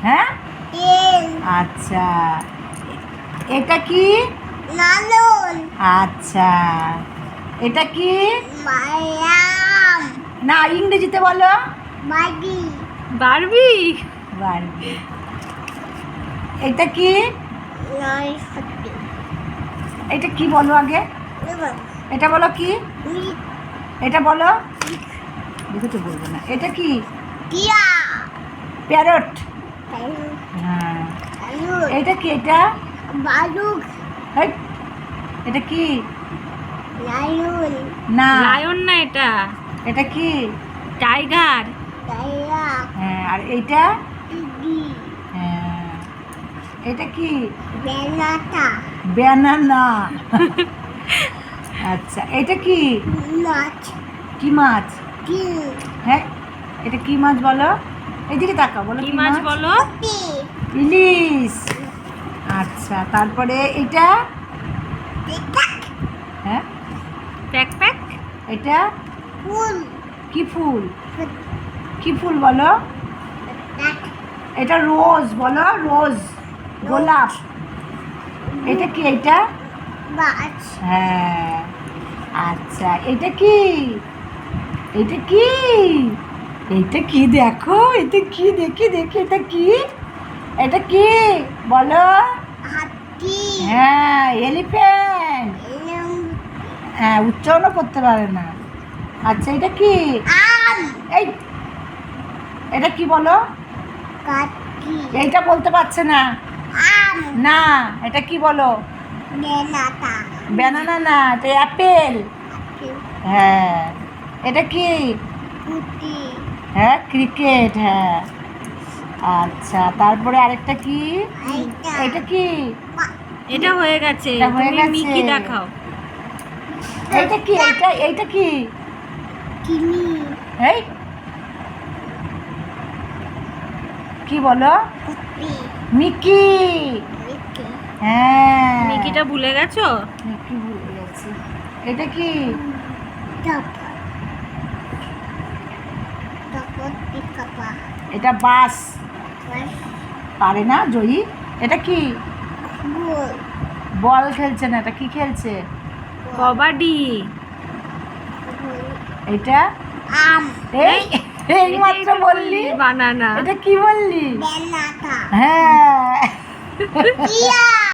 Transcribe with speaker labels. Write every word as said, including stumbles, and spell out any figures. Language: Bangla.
Speaker 1: হ্যাঁ আচ্ছা এটা কি
Speaker 2: লালন
Speaker 1: আচ্ছা এটা কি
Speaker 2: মায়াম
Speaker 1: না ইংরেজিতে বলো
Speaker 2: বাড়ি
Speaker 3: বারবি
Speaker 1: বারবি এটা কি
Speaker 2: নয় সত্যি
Speaker 1: এটা কি বলো আগে
Speaker 2: এবার
Speaker 1: এটা বলো কি
Speaker 2: মিট
Speaker 1: এটা বলো দেখো তো বলবো না এটা কি
Speaker 2: টিয়া
Speaker 1: প্যারট
Speaker 2: তালু
Speaker 1: হ্যাঁ
Speaker 2: তালু
Speaker 1: এটা কি এটা
Speaker 2: বালুক
Speaker 1: হেই, এটা কি
Speaker 2: লালন
Speaker 1: না
Speaker 3: লায়ন না এটা
Speaker 1: এটা কি
Speaker 3: টাইগার
Speaker 2: তাইয়া
Speaker 1: হ্যাঁ আর এইটা
Speaker 2: টিগি
Speaker 1: হ্যাঁ এটা কি
Speaker 2: বেলাটা
Speaker 1: ব্যানানা আচ্ছা এটা কি
Speaker 2: মাছ
Speaker 1: কি মাছ
Speaker 2: কি
Speaker 1: হ্যাঁ এটা কি মাছ বলো এইদিকে তাকাও বলো
Speaker 3: কি মাছ বলো
Speaker 2: টি
Speaker 1: ইলিশ আচ্ছা তারপরে এটা
Speaker 2: টিকা
Speaker 1: হ্যাঁ
Speaker 3: প্যাক প্যাক
Speaker 1: এটা
Speaker 2: ফুল
Speaker 1: কি ফুল কি ফুল বলো
Speaker 2: টাক
Speaker 1: এটা রোজ বলো রোজ গোলাপ এটা কি এটা
Speaker 2: মাছ
Speaker 1: হ্যাঁ আচ্ছা এটা কি এটা কি এটা কি দেখো এটা কি দেখি দেখি এটা কি এটা কি বলো
Speaker 2: হাতি
Speaker 1: হ্যাঁ এলিফ্যান্ট
Speaker 2: এলম
Speaker 1: হ্যাঁ উচ্চারণও করতে পারে না আচ্ছা এটা কি
Speaker 2: আম
Speaker 1: এই এটা কি বলো
Speaker 2: কাটি
Speaker 1: এইটা বলতে পারছে না
Speaker 2: আম
Speaker 1: না এটা কি বলো
Speaker 2: বেলাটা
Speaker 1: ব্যানানা না এটা অ্যাপেল হ্যাঁ এটা কি
Speaker 2: কুটি
Speaker 1: হ্যাঁ ক্রিকেট হ্যাঁ আচ্ছা তারপরে আরেকটা কি
Speaker 2: আইটা
Speaker 1: এটা কি
Speaker 3: এটা হয়ে গেছে
Speaker 1: এটা হয়ে
Speaker 3: তুমি
Speaker 1: গেছে।
Speaker 3: মিকি দেখাও
Speaker 1: এইটা কি এইটা এইটা কি
Speaker 2: কিনি
Speaker 1: এই কি বলো
Speaker 2: কুটি
Speaker 1: মিকি
Speaker 2: মিকি
Speaker 1: হ্যাঁ
Speaker 3: মিকিটা ভুলে গেছো
Speaker 1: মিকি ভুলে গেছি এটা কি
Speaker 2: টপ টপ পিকাপা
Speaker 1: এটা বাস
Speaker 2: বাস
Speaker 1: পারে না জয়ী এটা কি
Speaker 2: বল
Speaker 1: বল খেলছে না এটা কি খেলছে
Speaker 3: কবাডি
Speaker 1: এটা
Speaker 2: আম
Speaker 1: এই এই মাত্র বললি
Speaker 3: বানানা
Speaker 1: এটা কি বললি
Speaker 2: বেলাটা
Speaker 1: হ্যাঁ
Speaker 2: টিয়া